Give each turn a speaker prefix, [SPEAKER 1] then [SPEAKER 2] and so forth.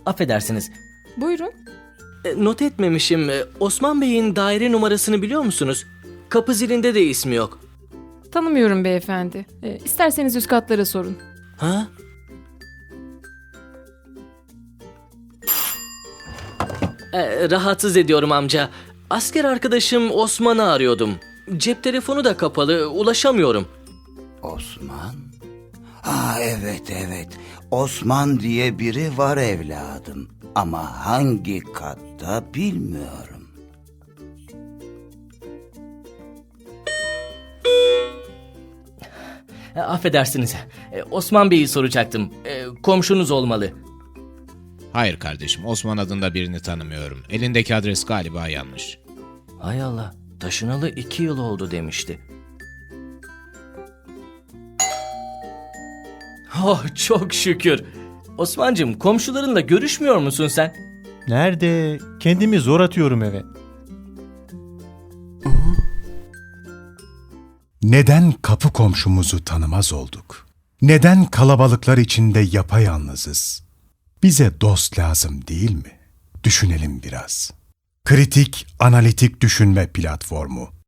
[SPEAKER 1] Affedersiniz.
[SPEAKER 2] Buyurun.
[SPEAKER 1] Not etmemişim. Osman Bey'in daire numarasını biliyor musunuz? Kapı zilinde de ismi yok.
[SPEAKER 2] Tanımıyorum beyefendi. İsterseniz üst katlara sorun.
[SPEAKER 1] Ha? Rahatsız ediyorum amca. Asker arkadaşım Osman'ı arıyordum. Cep telefonu da kapalı, ulaşamıyorum.
[SPEAKER 3] Osman? Ha, evet. Osman diye biri var evladım. Ama hangi katta bilmiyorum.
[SPEAKER 1] Affedersiniz. Osman Bey'i soracaktım. Komşunuz olmalı.
[SPEAKER 4] Hayır kardeşim, Osman adında birini tanımıyorum. Elindeki adres galiba yanlış.
[SPEAKER 1] Hay Allah, taşınalı 2 yıl oldu demişti. Oh, çok şükür. Osman'cığım, komşularınla görüşmüyor musun sen?
[SPEAKER 5] Nerede? Kendimi zor atıyorum eve.
[SPEAKER 6] Neden kapı komşumuzu tanımaz olduk? Neden kalabalıklar içinde yapayalnızız? Bize dost lazım değil mi? Düşünelim biraz. Kritik Analitik Düşünme Platformu.